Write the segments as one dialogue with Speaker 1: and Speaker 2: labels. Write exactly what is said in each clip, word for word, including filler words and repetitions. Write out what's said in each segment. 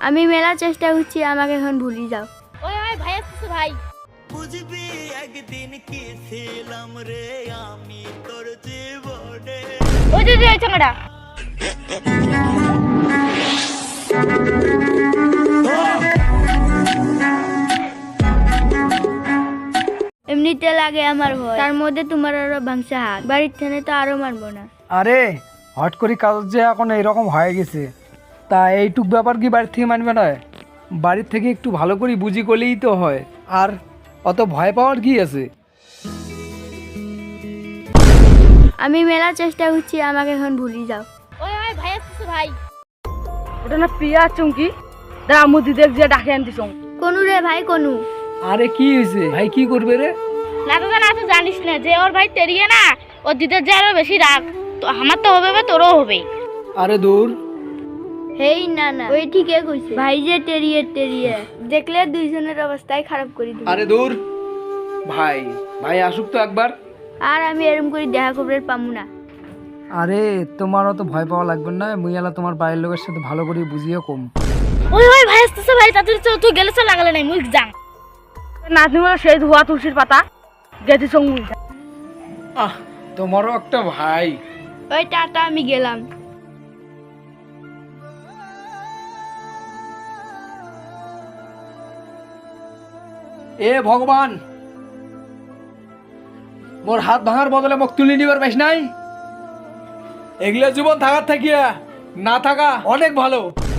Speaker 1: আমি মেলা চেষ্টা করছি, আমাকে এখন ভুলি যাও।
Speaker 2: ওই ওই ভাই আসছে ভাই।
Speaker 3: বুঝবি একদিন কি ছিলাম রে আমি তোর জীবনে।
Speaker 2: ওই যে ওই চাঙ্গাটা।
Speaker 1: এমনিতে লাগে আমার ভয়, তার মধ্যে তোমার আরো ভাঙসা হাত, বাড়ির থেনে তো আরো মারবো না।
Speaker 4: আরে হট করে কাজ যে এখন এইরকম হয়ে গেছে, তা এইটুক ব্যাপার কি বাড়ির থেকে মানবে না? বাড়ির থেকে একটু ভালো করে বুঝি করলেই তো হয়, আর অত ভয় পাওয়ার কি আছে?
Speaker 1: আমি মেলা চেষ্টা করছি, আমাকে এখন ভুলি যাও।
Speaker 2: ওই ওই ভাই আসছে ভাই।
Speaker 5: ওটা না পিয়া চুমকি, দাঁড়া মুদি দেখ যে ডাকে আনতিস।
Speaker 1: কোনু রে ভাই কোনু?
Speaker 4: আরে কি হয়েছে ভাই, কি করবে রে?
Speaker 2: না তো না তো জানিস না যে ওর ভাই তেরিয়ে না, ওর দিদের যে আরো বেশি রাগ, তো আমার তো হবে বা তোরও হবে।
Speaker 4: আরে দূর।
Speaker 1: হেই না না, ওই ঠিকই কইছে ভাই, যে টেরিয়ে টেরিয়ে দেখলে দুইজনের অবস্থাই খারাপ করে দিবে।
Speaker 4: আরে দূর ভাই, ভাই আসুক তো একবার।
Speaker 1: আর আমি এরম করে দেখা খবরের পামু না।
Speaker 4: আরে তোমার অত ভয় পাওয়া লাগবে না, মুইয়ালা তোমার বাড়ির লোকের সাথে ভালো করে বুঝিয়ে কম।
Speaker 2: ওই ওই ভাই আসছে ভাই, তাড়াতাড়ি চল, তুই গেলে চল, লাগালে নাই মুখ যাং।
Speaker 5: নাতনি বলে সেই ধোয়া তুলসীর পাতা গেছি সঙ্গ।
Speaker 4: আহ তোমারও একটা ভাই।
Speaker 1: ওই টাটা, আমি গেলাম।
Speaker 4: এ ভগবান, মোর হাত ভাঙার বদলে মোক তুলি নিবার পাইস নাই? এগুলা জীবন থাকার থাকিয়া না থাকা অনেক ভালো।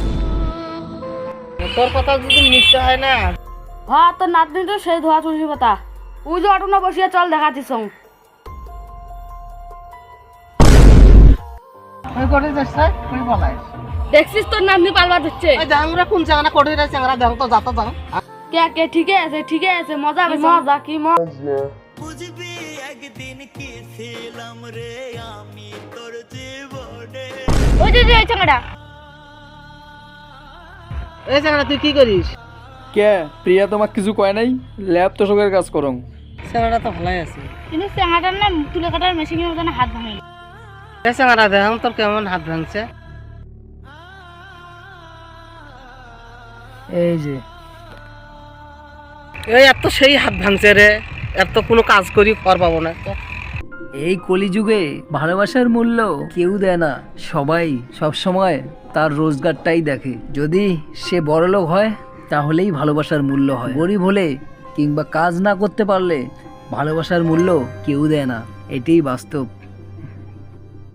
Speaker 5: তোর কথা যদি মিথ্যে হয় না, হ্যাঁ তোর নাতনি তো সেই ধোয়া তুলসীর পাতা। ওই যে অটো না বসিয়া চল দেখাচ্ছি সঙ্গ। দেখছিস তোর নাতনি পালবা দিচ্ছে। কে কে ঠিকই আছে ঠিকই আছে, মজা মজা কি মজা।
Speaker 3: বুঝবি একদিন কি ছিলাম রে আমি তোর জীবনে।
Speaker 2: ওই যে ওই চাঙ্গাটা।
Speaker 5: এই জায়গাটা তুই কি করিস?
Speaker 4: কে প্রিয়া তোমাক কিছু কয় নাই? ল্যাব তো সবের কাজ করং।
Speaker 5: জায়গাটা তো ভালোই আছে।
Speaker 2: কিন্তু চাঙ্গাটার না তুলে কাটার মেশিনের মধ্যে হাত ভাঙে।
Speaker 5: এই জায়গাটা দেখাম তোর কেমন হাত ভাঙছে।
Speaker 4: এই যে
Speaker 5: এই এত সেই হাত ভাঙছে রে, এত কোনো কাজ করি কর পাবো না।
Speaker 6: এই কলিযুগে ভালোবাসার মূল্য কেউ দেয় না, সবাই সব সময় তার রোজগারটাই দেখে। যদি সে বড়লোক হয় তাহলেই ভালোবাসার মূল্য হয়, গরিব হলে কিংবা কাজ না করতে পারলে ভালোবাসার মূল্য কেউ দেয় না, এটাই বাস্তব।